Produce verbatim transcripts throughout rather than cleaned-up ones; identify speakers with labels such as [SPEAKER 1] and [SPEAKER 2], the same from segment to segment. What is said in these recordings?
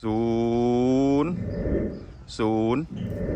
[SPEAKER 1] ศูนย์ศูนย์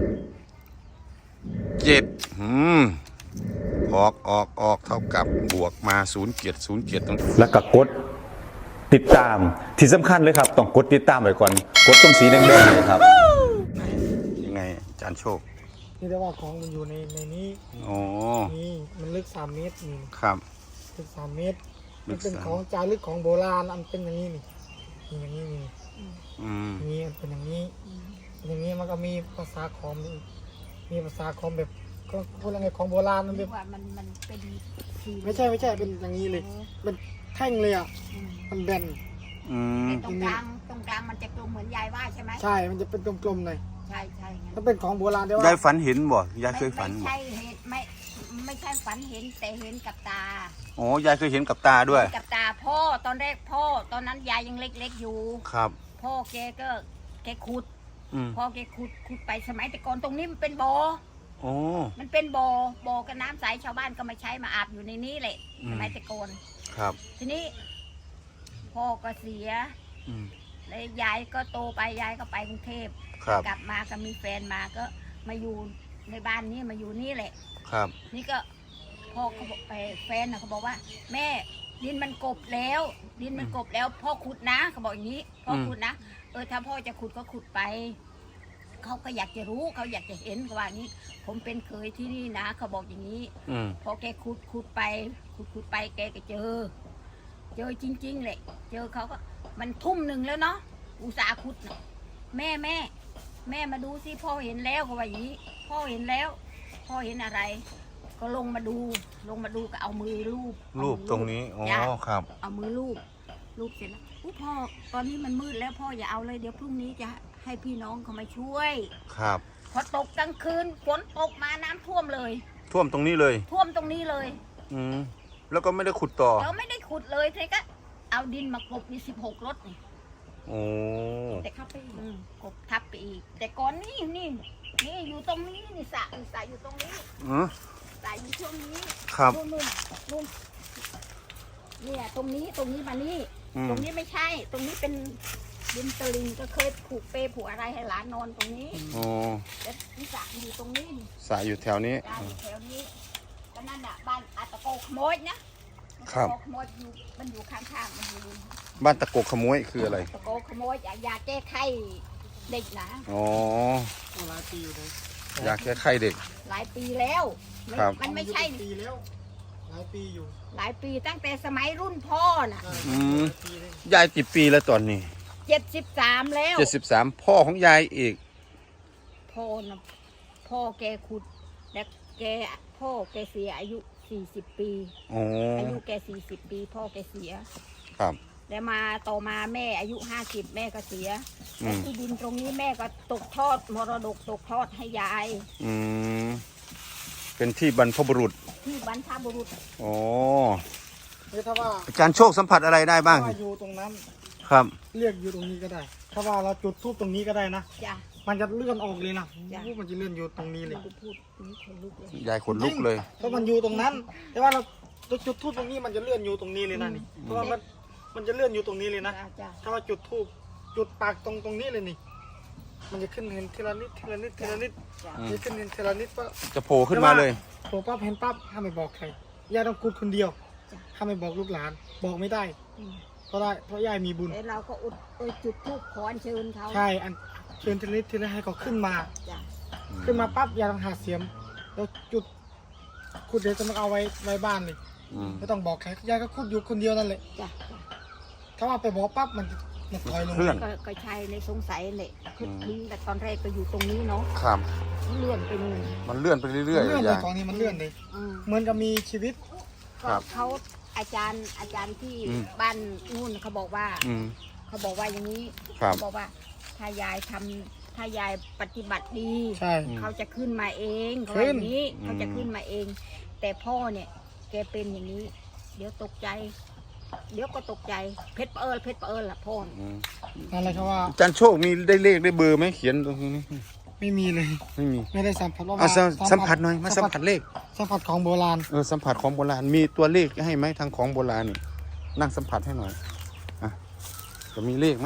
[SPEAKER 1] เจ็ดอืมออกออกออกเท่ากับบวกมาศูนย์เกียรติศูนย์เกียรติตรง
[SPEAKER 2] แล้วก็กดติดตามที่สำคัญเลยครับต้องกดติดตามไว้ก่อนกดตรงสีแดงๆเลยครับ
[SPEAKER 1] ยังไงอาจารย์โชค
[SPEAKER 3] นี่ได้ว่าของมันอยู่ในในนี้
[SPEAKER 1] อ๋อ
[SPEAKER 3] นี่มันลึกสามเมตรนี่
[SPEAKER 1] ครับ
[SPEAKER 3] ลึกสามเมตรมันเป็นของจารึกของโบราณอันเป็นอย่างนี้นี่นี่อย่างนี้นี่
[SPEAKER 1] อืม
[SPEAKER 3] นี่เป็นอย่างนี้อย่างนี้มันก็มีภาษาคอมมีภาษาคอมแบบก็พูดอะไรของโบราณมันแบบ
[SPEAKER 4] ว่ามันมันเป็น
[SPEAKER 3] ไม่ใช่ไม่ใช่เป็นอย่างนี้เลยเป็นแท่งเลยอ่ะมันแบน
[SPEAKER 1] อืม
[SPEAKER 4] ตรงกลางตรงกลางมันจะกลมเหมือนยายว่าใช่ไหม
[SPEAKER 3] ใช่มันจะเป็นกลมๆหน่อย
[SPEAKER 4] ใช่ใช่
[SPEAKER 3] ถ้าเป็นของโบราณได้ว่าย
[SPEAKER 1] ายฝันเห็นบ่ยายเคยฝัน
[SPEAKER 4] ไม่ใช่เห็นไม่ไม่ใช่ฝันเห็นแต่เห็นกับตา
[SPEAKER 1] อ๋อยายเคยเห็นกับตาด้วย
[SPEAKER 4] กับตาพ่อตอนแรกพ่อตอนนั้นยายยังเล็กๆอยู่
[SPEAKER 1] ครับ
[SPEAKER 4] พ่อแกก็แกขุดพ่อแกขุดขุดไปสมัยแต่ก่อนตรงนี้มันเป็นบ่อ
[SPEAKER 1] โอ้
[SPEAKER 4] มันเป็นบ่อบ่อกับน้ำใสชาวบ้านก็มาใช้มาอาบอยู่ในนี้แหละสมัยแต่ก่อน
[SPEAKER 1] ครับ
[SPEAKER 4] ทีนี้พ่อก็เสียแล้วยายก็โตไปยายก็ไปกรุงเทพกลับมาก็มีแฟนมาก็มาอยู่ในบ้านนี้มาอยู่นี่แหละ
[SPEAKER 1] ครับ
[SPEAKER 4] นี่ก็พ่อเขาบอกแฟนนะเขาบอกว่าแม่ดินมันกบแล้ว ดินมันกบแล้วพ่อขุดนะเขาบอกอย่างนี้พ่อขุดนะเออถ้าพ่อจะขุดก็ขุดไปเขาก็อยากจะรู้เขาอยากจะเห็นเขาว่านี้ผมเป็นเคยที่นี่นะเขาบอกอย่างนี้พอแกขุดขุดไปขุดขุดไปแกก็เจอเจอจริงๆเลยเจอเขาก็มันทุ่มหนึ่งแล้วเนาะอุตสาขุดแม่แม่แม่มาดูสิพ่อเห็นแล้วเขาว่าอย่างนี้พ่อเห็นแล้วพ่อเห็นอะไรก็ลงมาดูลงมาดูก็เอามือลูบ
[SPEAKER 1] รูปตรงนี้อ๋อครับ
[SPEAKER 4] เอามือลูบลูบเสร็จแล้วพ่อตอนนี้มันมืดแล้วพ่ออย่าเอาเลยเดี๋ยวพรุ่งนี้จะให้พี่น้องเขามาช่วย
[SPEAKER 1] ครับ
[SPEAKER 4] พอตกกลางคืนฝนตกมาน้ำท่วมเลย
[SPEAKER 1] ท่วมตรงนี้เลย
[SPEAKER 4] ท่วมตรงนี้เลย
[SPEAKER 1] อืมแล้วก็ไม่ได้ขุดต่อ
[SPEAKER 4] เราไม่ได้ขุดเลยทีก็เอาดินมากบมีสิบหกรถนี่
[SPEAKER 1] โอ้
[SPEAKER 4] แต่เข้าไปกบทับไปอีกแต่ก่อนนี่นี่นี่อยู่ตรงนี้นี่สระสระอยู่ตรงนี้
[SPEAKER 1] อือ
[SPEAKER 4] สระอยู่ช่วงนี้
[SPEAKER 1] ครับ
[SPEAKER 4] นู่นนู่นนู่นเนี่ยตรงนี้ตรงนี้มานี่ตรงนี้ไม่ใช่ตรงนี้เป็นดินตะลิงก็เคยผูกเปผูกอะไรให้หลานนอนตรงนี้
[SPEAKER 1] โอ้
[SPEAKER 4] แต่ที่สระอยู่ตรงนี้
[SPEAKER 1] สระอยู่แถวนี้
[SPEAKER 4] แถวนี้ก็นั่นอ่ะบ้านอาตะโกขโมยนะครับขโมยอยู่มันอยู่ข้างๆมันอยู่
[SPEAKER 1] บ้านตะโกขโมยคืออะไร
[SPEAKER 4] ตะโกขโมยยาแก้ไข้เด็กนะ
[SPEAKER 1] อ๋อ
[SPEAKER 3] หลายปีอยู่เลย
[SPEAKER 1] ยาแก้ไข้เด็ก
[SPEAKER 4] หลายปีแล้วมันไม่ใช่
[SPEAKER 3] ปีแล้วหลายปีอยู่
[SPEAKER 4] หลายปีตั้งแต่สมัยรุ่นพ่อน่ะ
[SPEAKER 1] อืมยายกี่ปีแล้วตอนนี้
[SPEAKER 4] เจ็ดสิบสามแล้ว
[SPEAKER 1] เจ็ดสิบสามพ่อของยายอีก
[SPEAKER 4] พ่อนะพ่อแกขุดและแกพ่อแกเสียอายุสี่สิบปีอายุแกสี่สิบปีพ่อแกเสีย
[SPEAKER 1] ครับ
[SPEAKER 4] แล้วมาต่อมาแม่อายุห้าสิบแม่ก็เสียและที่ดินตรงนี้แม่ก็ตกทอดมรดกตกทอดให้ยาย
[SPEAKER 1] อืมเป็นที่บรรพบุรุษ
[SPEAKER 4] ที่บรรพบุรุษ
[SPEAKER 1] อ๋อ
[SPEAKER 3] ถ้าว่า
[SPEAKER 1] อาจารย์โชคสัมผัสอะไรได้บ้าง
[SPEAKER 3] อยู่ตรงนั้น
[SPEAKER 1] ครับ
[SPEAKER 3] เรียกอยู่ตรงนี้ก็ได้ถ้าว่าเราจุดทูบตรงนี้ก็ได้นะ
[SPEAKER 4] จ้ะ
[SPEAKER 3] มันจะเลื่อนออกเลยนะมันจะเลื่อนอยู่ตรงนี้เลย
[SPEAKER 1] ยายขนลุกเลย
[SPEAKER 3] เพราะมันอยู่ตรงนั้นแต่ว่าเราจุดทูบตรงนี้มันจะเลื่อนอยู่ตรงนี้เลยนะนี่เพราะว่ามันมันจะเลื่อนอยู่ตรงนี้เลยนะถ้าว่าจุดทูบจุดปากตรงตรงนี้เลยนี่มันจะขึ้นเห็นทีละนิดทีละนิดทีละนิดจะขึ้นเห็นทีละนิดว่า
[SPEAKER 1] จะโผล่ขึ้นมาเลย
[SPEAKER 3] โผล่ปั๊บเห็นปั๊บห้ามไม่บอกใครยายต้องกุดคนเดียวห้ามไม่บอกลูกหลานบอกไม่ได้เพราะได้เพราะยายมีบุญ
[SPEAKER 4] แต่เราก็อุดจุดทูบขอเชิญเขา
[SPEAKER 3] ใช่อันเชิญทีละนิดทีละให้เขาขึ้นมาขึ้นมาปั๊บยายต้องหาเสียมแล้วจุดขุดเดี๋ยวจะมาเอาไว้ไว้บ้านเลยไม่ต้องบอกใครยายก็ขุดอยู่คนเดียวนั่นแหละถ้าว่าไปบอกปั๊บมันมันถอยลง
[SPEAKER 4] ก็ใช่ในสงสัยเนี่ยคือแต่ตอนแรกก็อยู่ตรงนี้เนาะ
[SPEAKER 1] ครับ
[SPEAKER 4] เลื่อนไปนู่น
[SPEAKER 1] มันเลื่อนไปเรื่อยๆเลื่อน
[SPEAKER 3] ไปของนี้มันเลื่อนเลยเหมือนกับมีชีวิต
[SPEAKER 4] เขาอาจารย์อาจารย์ที่บ้านนู่นเขาบอกว่าเขาบอกว่าอย่างนี้เขาบอกว่าถ้ายายทำถ้ายายปฏิบัติดีเขาจะขึ้นมาเองเขาแบบนี้เขาจะขึ้นมาเองแต่พ่อเนี่ยแกเป็นอย่างนี้เดี๋ยวตกใจเดี๋ยวก็ตกใจเพชรเอิญเพชรเอิญล่ะพ่อ
[SPEAKER 3] อะไรเขาว่า
[SPEAKER 1] อาจารย์โชคมีได้เลขได้เบอร์ไหมเขียนตรงนี้
[SPEAKER 3] ไม่มีเลย
[SPEAKER 1] ไม่มี
[SPEAKER 3] ไม่ได้สัมผัสว่า
[SPEAKER 1] สัมผัสหน่อยมาสัมผัสเลข
[SPEAKER 3] สัมผัสของโบราณ
[SPEAKER 1] เออสัมผัสของโบราณมีตัวเลขให้ไหมทางของโบราณนี่นั่งสัมผัสให้หน่อยอ่ะจะมีเลขไหมอ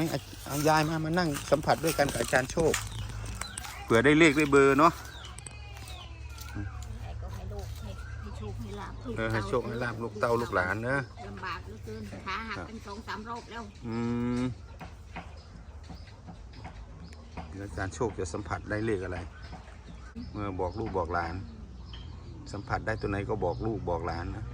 [SPEAKER 1] เอายายมามานั่งสัมผัสด้วยกันกับอาจารย์โชคเผื่อได้เลขได้เบอร์เนาะ
[SPEAKER 4] ก็ให้ลูกให้ให้โชคให้ลาบ
[SPEAKER 1] เออให้โชคให้ลาบลูกเต้าลูกหลานนะ
[SPEAKER 4] ลำบากเหลือเกินขาหักเป็นสองสามรอบแล้ว
[SPEAKER 1] อืมเดี๋ยวอาจารย์โชคจะสัมผัสได้เลขอะไร เมื่อบอกลูกบอกหลาน สัมผัสได้ตัวไหนก็บอกลูกบอกหลานนะ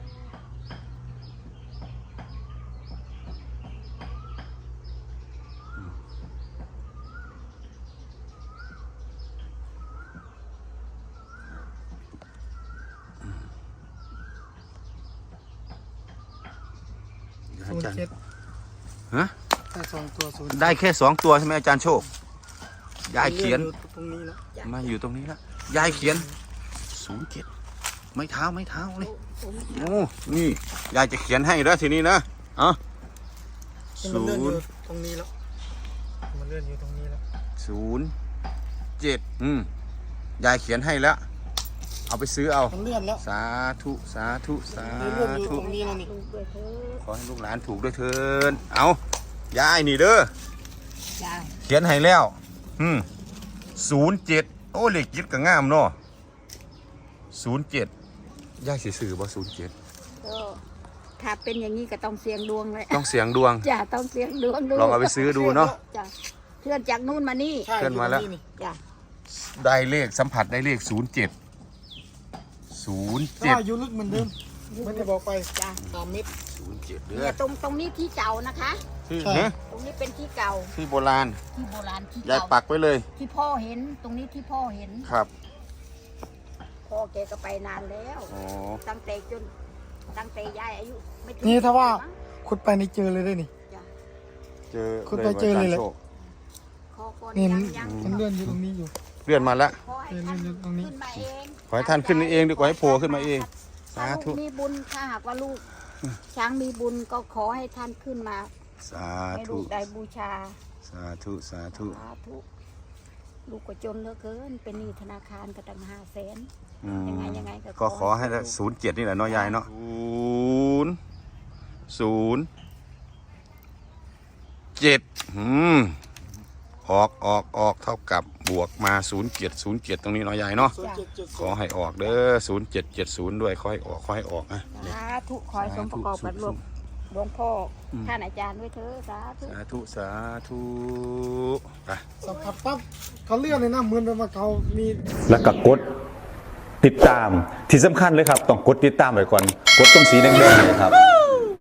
[SPEAKER 1] อา
[SPEAKER 3] ศูน
[SPEAKER 1] จาร
[SPEAKER 3] ย์
[SPEAKER 1] ย์
[SPEAKER 3] เจ็ด
[SPEAKER 1] ฮะ
[SPEAKER 3] แต่สองตัวศูนย์
[SPEAKER 1] ได้แค่สองตัวใช่ไหมอาจารย์โชค ยายเขียน
[SPEAKER 3] ลื่อตรงนี้แล้ว
[SPEAKER 1] มาอยู่ตรงนี้แล้ว ยายเขียนศูนย์เจ็ดไม้เท้าไม้เท้าเลยโอ้นี่ยายจะเขียนให้แล้วทีนี้นะเอ่ะ
[SPEAKER 3] มัน
[SPEAKER 1] ศู
[SPEAKER 3] เลื่อนอน ยู่
[SPEAKER 1] ย์
[SPEAKER 3] ตรงนี้แล้วมันเลื่อนอยู่ตรงนี้แล้ว
[SPEAKER 1] ศูนย์เจ็ดอืมยายเขียนให้แล้ว เอาไปซื้อเอา
[SPEAKER 3] มันเลื่อนแล้ว
[SPEAKER 1] สาธุสาธุสา
[SPEAKER 3] มันเลื่อนอยู่
[SPEAKER 1] ธุ
[SPEAKER 3] ตรงนี้แล้วนี่
[SPEAKER 4] ลูกด้วยเถอะ
[SPEAKER 1] ขอให้ลูกหลานถูกด้วยเถินเอายายนี่เด้อ
[SPEAKER 4] จ้า
[SPEAKER 1] เขียนให้แล้วอืมศูนย์เจ็ดโอ้เลขจิตก็งามเนาะศูนย์เจ็ดยายสิซื้อบ่ศูนย์เจ็ด
[SPEAKER 4] ก็ถ้าเป็นอย่างนี้ก็ต้องเสี่ยงดวงเลย
[SPEAKER 1] ต้องเสียงดวง
[SPEAKER 4] จ้าต้องเสี่ยงดวงดู
[SPEAKER 1] ลองเอาไปซื้อดูเนาะ
[SPEAKER 4] จ้าเคลื่อนจากนู่นมานี่
[SPEAKER 3] ใช่
[SPEAKER 1] เลื่อนมาแล้ว
[SPEAKER 3] ยู่ตรงนี่
[SPEAKER 4] จ้า
[SPEAKER 1] ได้เลขสัมผัสได้เลขศูนย์เจ็ดศูนย์
[SPEAKER 3] ก็
[SPEAKER 1] เจ็ด
[SPEAKER 3] อายุลึกเหมือนเดิมไม่ได้บอกไป
[SPEAKER 4] จ้า
[SPEAKER 3] สามเมตร
[SPEAKER 1] ศูนย์เจ็ดเด้
[SPEAKER 4] เนี่
[SPEAKER 1] อย
[SPEAKER 4] ตรงตรงนี้ที่เก่านะคะ
[SPEAKER 1] ที่
[SPEAKER 3] ใช่
[SPEAKER 1] ฮะ
[SPEAKER 4] ตรงนี้เป็นที่เก่า
[SPEAKER 1] ที่โบราณ
[SPEAKER 4] ที่โบราณที่
[SPEAKER 1] ยาย
[SPEAKER 4] เก่า
[SPEAKER 1] ปักไว้เลย
[SPEAKER 4] ที่พ่อเห็นตรงนี้ที่พ่อเห็น
[SPEAKER 1] ครับ
[SPEAKER 4] พ่อแกก็ไปนานแล้ว
[SPEAKER 1] อ๋อ
[SPEAKER 4] ตั้งแต่จนตั้งแต่ยายอายุไม่ถึง
[SPEAKER 3] นี่ถ้าว่า
[SPEAKER 4] มั้ง
[SPEAKER 3] ขุดไปนี่เจอเลยได้นี่
[SPEAKER 4] จ้ะ
[SPEAKER 1] เจอ
[SPEAKER 3] คุณไปเจอเลยเหรอ
[SPEAKER 1] โชค
[SPEAKER 4] ขอก่อน
[SPEAKER 3] นี่
[SPEAKER 4] ยั
[SPEAKER 3] มัน
[SPEAKER 4] งยัง
[SPEAKER 3] มันเลื่อนอยู่ตรงนี้อยู่
[SPEAKER 1] เลื่อนมาแล้ว
[SPEAKER 4] ขอให้ท่าน
[SPEAKER 3] เลื่อนๆตรงนี้
[SPEAKER 4] ขึ้นมาเอง
[SPEAKER 1] ขอให้ท่านขึ้นเองดีกว่าให้โผล่ขึ้นมาเอง
[SPEAKER 4] ถ้า
[SPEAKER 1] สาธุ
[SPEAKER 4] ลูกมีบุญถ้าหากว่าลูก ช้างมีบุญก็ขอให้ท่านขึ้นมา
[SPEAKER 1] สา
[SPEAKER 4] ให้
[SPEAKER 1] ธุ
[SPEAKER 4] ลูกได้บูชา
[SPEAKER 1] สาธุสาธุ
[SPEAKER 4] สาธุลูกก็จนเหลือเกินเป็นหนี้ธนาคารก็ตั้งห้าแสน
[SPEAKER 1] อืม
[SPEAKER 4] ยังไงยังไงก็
[SPEAKER 1] ก็ขอให้ศูนย์เจ็ดนี่แหละเนาะยายเนาะศูนย์ศูนย์เจ็ดอืมออกออกออกเท่ากับบวกมาศูนย์เจ็ดศูนย์เจ็ดตรงนี้เนาะยายเนาะ
[SPEAKER 3] ศูนย์เจ็ดเจ็ด
[SPEAKER 1] ขอให้ออกเด้อศูนย์เจ็ดเจ็ดศูนย์ด้วยขอให้ออกขอให้ออกนะ
[SPEAKER 4] สาธุขอให้สมประกอบกับหลวงหลวงพ่ออท่านอาจารย์ด้วยเถอะสาธุ
[SPEAKER 1] สาธุสาธุไป
[SPEAKER 3] สัมผัสปั๊บเขาเลื่อนเลยนะเหมือนแบบว่าเขามี
[SPEAKER 2] แล้วก็กดติดตามที่สำคัญเลยครับ ต้องกดติดตามไว้ก่อน กดตรงสีแดงๆเลยครับ